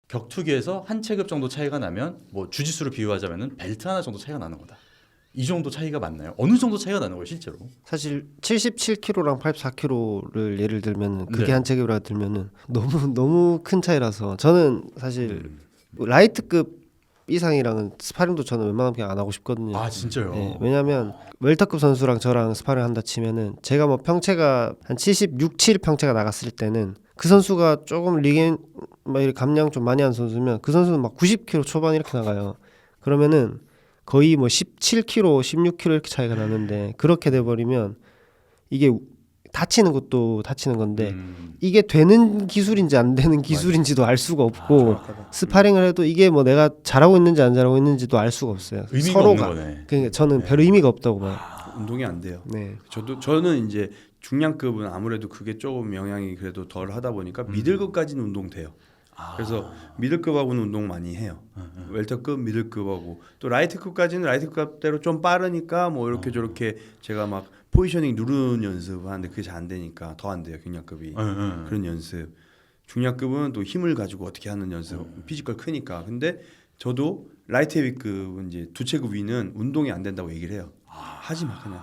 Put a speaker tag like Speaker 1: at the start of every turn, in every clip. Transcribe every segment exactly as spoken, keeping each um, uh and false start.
Speaker 1: 격투기에서 한 체급 정도 차이가 나면 뭐 주짓수로 비유하자면은 벨트 하나 정도 차이가 나는 거다. 이 정도 차이가 맞나요? 어느 정도 차이가 나는 거예요, 실제로?
Speaker 2: 사실 칠십칠 킬로그램랑 팔십사 킬로그램를 예를 들면 그게
Speaker 1: 네.
Speaker 2: 한 체급이라 들면은 너무 너무 큰 차이라서 저는 사실
Speaker 1: 음.
Speaker 2: 라이트급 이상이랑은 스파링도 저는 웬만하면 그냥 안 하고 싶거든요.
Speaker 1: 아 진짜요?
Speaker 2: 예, 왜냐하면 웰터급 선수랑 저랑 스파링 한다 치면은 제가 뭐 평체가 한 칠십육, 칠 평체가 나갔을 때는 그 선수가 조금 리겐 막 이렇게 감량 좀 많이 한 선수면 그 선수는 막 구십 킬로그램 초반 이렇게 나가요. 그러면은 거의 뭐 십칠 킬로그램, 십육 킬로그램 이렇게 차이가 나는데 그렇게 돼 버리면 이게 다치는 것도 다치는 건데
Speaker 1: 음.
Speaker 2: 이게 되는 기술인지 안 되는 기술인지도 알 수가 없고
Speaker 3: 정확하다.
Speaker 2: 스파링을 해도 이게 뭐 내가 잘하고 있는지 안 잘하고 있는지도 알 수가 없어요.
Speaker 1: 의미가
Speaker 2: 서로가.
Speaker 1: 없는 거네.
Speaker 2: 그러니까 저는 별 의미가 없다고 봐요.
Speaker 3: 운동이 안 돼요.
Speaker 2: 네.
Speaker 3: 저도 저는 이제 중량급은 아무래도 그게 조금 영향이 그래도 덜 하다 보니까
Speaker 1: 음.
Speaker 3: 미들급까지는 운동 돼요.
Speaker 1: 아.
Speaker 3: 그래서 미들급하고는 운동 많이 해요.
Speaker 1: 음,
Speaker 3: 웰터급, 미들급하고 또 라이트급까지는 라이트급대로 좀 빠르니까 뭐 이렇게
Speaker 1: 어.
Speaker 3: 저렇게 제가 막 포지셔닝 누르는 연습하는데 그게 잘 안 되니까 더 안 돼요. 경량급이
Speaker 1: 음, 음.
Speaker 3: 그런 연습. 중량급은 또 힘을 가지고 어떻게 하는 연습,
Speaker 1: 음.
Speaker 3: 피지컬 크니까. 근데 저도 라이트 헤비급은 이제 두 체급 위는 운동이 안 된다고 얘기를 해요. 하지 마 그냥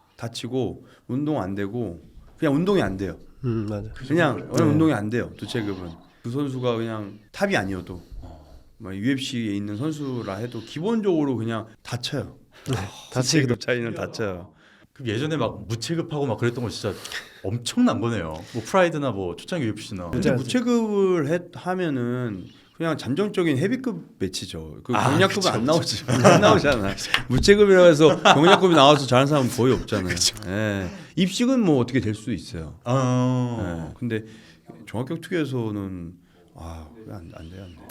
Speaker 3: 다치고 운동 안 되고 그냥 운동이 안 돼요.
Speaker 2: 음 맞아.
Speaker 3: 그냥
Speaker 2: 네.
Speaker 3: 운동이 안 돼요. 두 체급은 그 선수가 그냥 탑이 아니어도 막 유에프씨에 있는 선수라 해도 기본적으로 그냥 다쳐요.
Speaker 2: 다치기도
Speaker 3: 급 차이는 다쳐요.
Speaker 1: 그럼 예전에 막 무체급하고 막 그랬던 거 진짜 엄청난 거네요. 뭐 프라이드나 뭐 초창기 유에프씨나.
Speaker 3: 근데 무체급을 해, 하면은 그냥 잠정적인 헤비급 매치죠. 그
Speaker 1: 아,
Speaker 3: 경량급은
Speaker 1: 그쵸,
Speaker 3: 안 나오지. 안 나오잖아. 무체급이라 해서 경량급이 나와서 잘하는 사람은 거의 없잖아요. 예. 입식은 뭐 어떻게 될 수도 있어요.
Speaker 1: 어.
Speaker 3: 예. 근데 종합격투기에서는 아, 안, 안 돼요, 안 돼요.